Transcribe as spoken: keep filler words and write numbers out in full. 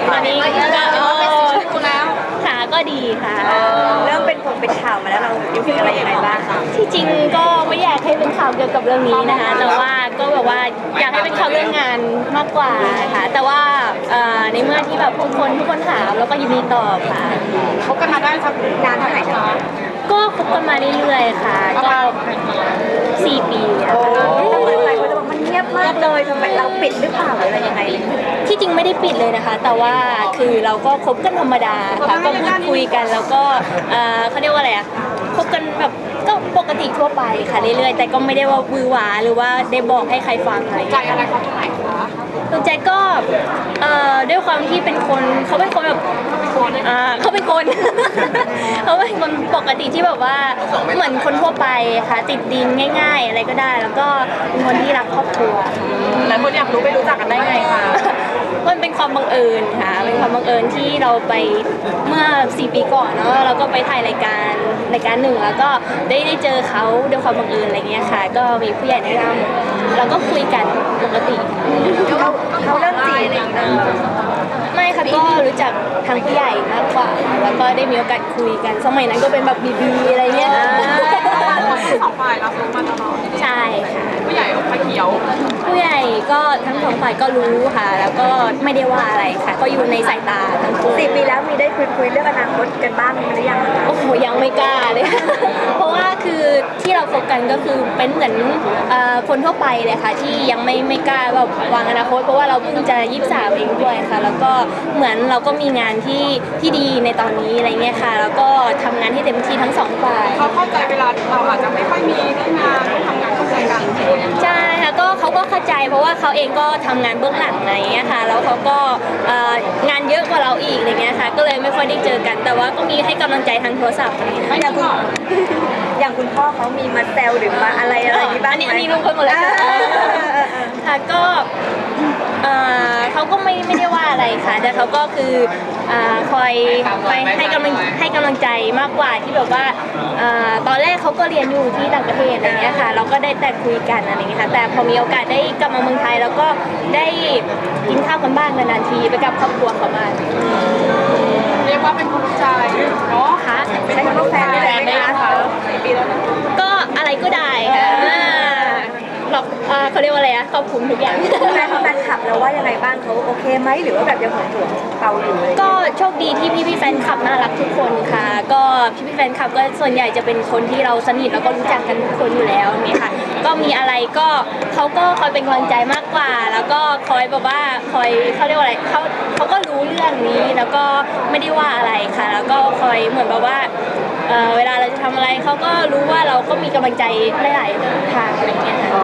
ตอนนี้ก็เออค่ะก็ดีค่ะเริ่มเป็นผงเป็นข่าวมาแล้วเรารู้สึกอะไรยังไงบ้างคะที่จริงก็ไม่อยากให้เป็นข่าวเกี่ยวกับเรื่องนี้นะคะแต่ว่าก็แบบว่าอยากให้เป็นข่าวเรื่องงานมากกว่าค่ะแต่ว่าในเมื่อที่แบบทุกคนทุกคนถามแล้วก็ยินดีตอบค่ะคบกันมาได้สักนานเท่าไหร่คะก็คบกันมาเรื่อยๆค่ะก็สี่ปีอะแต่เหมือนหลายคนจะบอกมันเงียบมากเลยทำไมเราปิดหรือเปล่าหรืออะไรยังไงที่จริงไม่ได้ปิดเลยนะคะแต่ว่าคือเราก็คบกันธรรมดาค่ะก็พูดคุยกันแล้วก็เขาเรียกว่าอะไรอะคบกันแบบก็ปกติทั่วไปค่ะเรื่อยๆแต่ก็ไม่ได้ว่ามือหวาหรือว่าได้บอกให้ใครฟังอะไรใจอะไรเขาตรงไหนคะตรงใจก็ด้วยความที่เป็นคนเขาเป็นคนแบบเขาเป็นคน เขาเป็นคนปกติที่แบบว่าเหมือนคนทั่วไปค่ะติดดินง่ายๆอะไรก็ได้แล้วก็เป็นคนที่รักครอบครัวแล้วคนอยากรู้ไปรู้จักกันได้ไงคะมันเป็นความบังเอิญค่ะเป็นความบังเอิญที่เราไปเมื่อสี่ปีก่อนเนาะเราก็ไปถ่ายรายการรายการหนึ่งแล้วก็ได้ได้เจอเขาด้วยความบังเอิญอะไรเงี้ยค่ะก็มีผู้ใหญ่แนะนำเราก็คุยกันปกติเขาเขาเริ่มจีบไม่ค่ะก็รู้จักทางผู้ใหญ่มากกว่าแล้วก็ได้มีโอกาสคุยกันสมัยนั้นก็เป็นแบบบีบีอะไรเงี้ยสองฝ่ายรับรู้มาตลอดใช่ค่ะผู้ใหญ่ไฟเขียวผู้ใหญ่ก็ทั้งสองฝ่ายก็รู้ค่ะแล้วก็ไม่ได้ว่าอะไรค่ะก็อยู่ในสายตาทั้งคู่สี่ปีแล้วมีได้คุยคุยเรื่องอนาคตกันบ้างหรือยังคะโอ้โหยังไม่กล้าเลยเพราะว่าคือที่เราโฟกัสก็คือเป็นเหมือนคนทั่วไปเลยค่ะที่ยังไม่ไม่กล้าแบบวางอนาคตเพราะว่าเราเพิ่งจะยี่สิบสามเองด้วยค่ะแล้วก็เหมือนเราก็มีงานที่ที่ดีในตอนนี้อะไรเงี้ยค่ะแล้วก็ทำงานที่เต็มที่ทั้งสองฝ่ายเขาเข้าใจเวลาเราอาจจะไม่ค่อยมีเรื่องงานทำงานเข้าใจกันใช่ค่ะก็เขาก็เข้าใจเพราะว่าเขาเองก็ทำงานเบื้องหลังอะไรเงี้ยค่ะแล้วเขาก็งานเยอะกว่าเราอีกอะไรเงี้ยค่ะก็เลยไม่ค่อยได้เจอกันแต่ว่าก็มีให้กำลังใจทางโทรศัพท์อย่างคุณอย่างคุณพ่อเขามีมาแซวหรือมาอะไรอะไรนี้บ้างไหมอันนี้รู้คนหมดเลยค่ะก็เขาก็ไม่ไม่ได้ว่าอะไรค่ะแต่เขาก็คือคอยคอยให้กำลังให้กำลังใจมากกว่าที่แบบว่าตอนแรกเขาก็เรียนอยู่ที่ต่างประเทศอะไรเงี้ยค่ะเราก็ได้แต่คุยกันอะไรเงี้ยค่ะแต่พอมีโอกาสได้กลับมาเมืองไทยแล้วก็ได้กินข้าวกันบ้างนานๆทีไปกับครอบครัวเขาบ้างเรียกว่าเป็นคนรู้ใจเนาะค่ะใช้คำว่าแฟนได้ไหมคะปีแล้วนะก็อะไรก็ได้ค่ะหรอกเขาเรียกว่าอะไรอะครอบคลุมทุกอย่างแฟนแฟนคลับแล้วว่ายังไงบ้างเขาโอเคไหมหรือว่าแบบยังห่วงห่วงเราอยู่เลยก็โชคดีที่พี่พี่แฟนคลับน่ารักทุกคนค่ะก็พี่พี่แฟนคลับก็ส่วนใหญ่จะเป็นคนที่เราสนิทแล้วก็รู้จักกันทุกคนอยู่แล้วนี่ค่ะก็มีอะไรก็เขาก็คอยเป็นกำลังใจมากกว่าแล้วก็คอยแบบว่าคอยเขาเรียกว่าอะไรเขาเขาก็รู้เรื่องนี้แล้วก็ไม่ได้ว่าอะไรค่ะแล้วก็คอยเหมือนแบบว่าเวลาเราจะทำอะไรเขาก็รู้ว่าเราก็มีกำลังใจหลายๆทางอะไรเงี้ยค่ะ